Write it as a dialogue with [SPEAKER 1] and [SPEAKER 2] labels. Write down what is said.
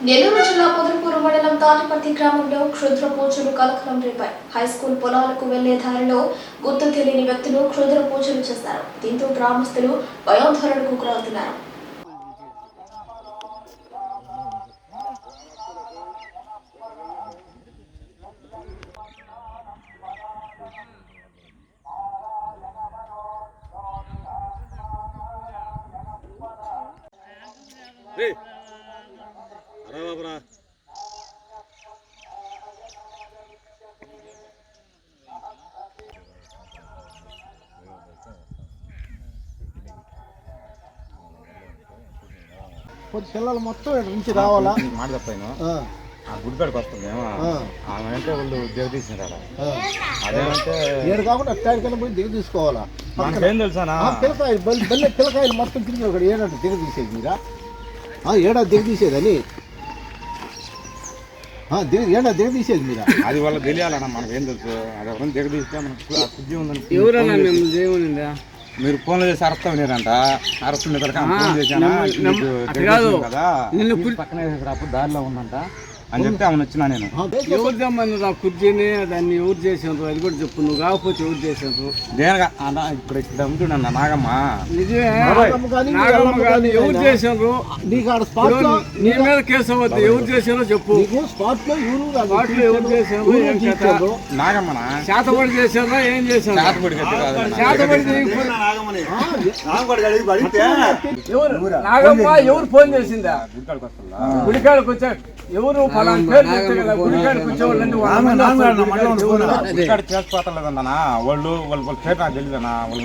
[SPEAKER 1] నెల్లూరు జిల్లా పొదలకూరు మండలం తాటిపర్తి గ్రామంలో క్షుద్ర పూజలు కలకలం రేపాయి. హైస్కూల్ పొలాలకు వెళ్లే దారిలో గుర్తు తెలియని వ్యక్తులు క్షుద్ర పూజలు చేశారు. దీంతో గ్రామస్తులు భయాందోళనకు గురవుతున్నారు.
[SPEAKER 2] పిల్లలు మొత్తం నుంచి రావాలా
[SPEAKER 3] మాట తప్పైనా గుడికాడికి వస్తుంది ఆమె అంటే వాళ్ళు దిగ తీసినారు అదేమంటే
[SPEAKER 2] ఏడు కాకుండా అట్టాడికైనా పోయి దిగ తీసుకోవాలా.
[SPEAKER 3] ఏం తెలుసానా
[SPEAKER 2] పిల్లకాయలు బల్లె పిల్లకాయలు మొత్తం తిరిగి ఒకటి ఏడంటే దిగ తీసేది మీరా ఏడా దిగ తీసేదని ఏడా దిగ తీసేది మీరా
[SPEAKER 3] అది వాళ్ళకి తెలియాలన్నా మనకు ఏం తెలుసు అది ఎవరైనా దిగ తీస్తే మనకు బుద్ధి ఉందని
[SPEAKER 4] ఎవరన్నా దేవునిందా
[SPEAKER 3] మీరు ఫోన్లో చేసి అరెస్ట్ అయినారంట. అరెస్ట్ ఉన్న ఫోన్ చేశాను కదా పక్కన అప్పుడు దారిలో ఉందంట అని చెప్తే ఆమె వచ్చినా నేను
[SPEAKER 4] ఎవరు తెమ్మని రా కుర్చీని దాన్ని ఎవరు చేసారు అది కూడా చెప్పు. నువ్వు కాకపోతే ఎవరు చేసారు
[SPEAKER 3] దేనిగా ఇప్పుడు ఇక్కడ ఉంటున్నా నాగమ్మ
[SPEAKER 4] నిజమే నాగమ్మ కాదు ఎవరు చేసారు నీ మీద కేసు అవ్వద్దు. ఎవరు చేసారో చెప్పు.
[SPEAKER 2] స్పాట్ లో
[SPEAKER 4] ఎవరు చేసారు
[SPEAKER 3] నాగమ్మనా
[SPEAKER 4] చేతబడి చేసారా ఏం చేశారు?
[SPEAKER 3] చేతబడి
[SPEAKER 4] నాగమ్మ ఎవరు ఫోన్ చేసిందా? గుడికాడికి వచ్చా ఎవరు ఫలానా పేరు చెప్తే కదా గుడికాడికి వచ్చేవాళ్ళంటే
[SPEAKER 3] చేసుకోవట్లేదన్నా వాళ్ళు పేరు నాకు తెలియదన్నా వాళ్ళు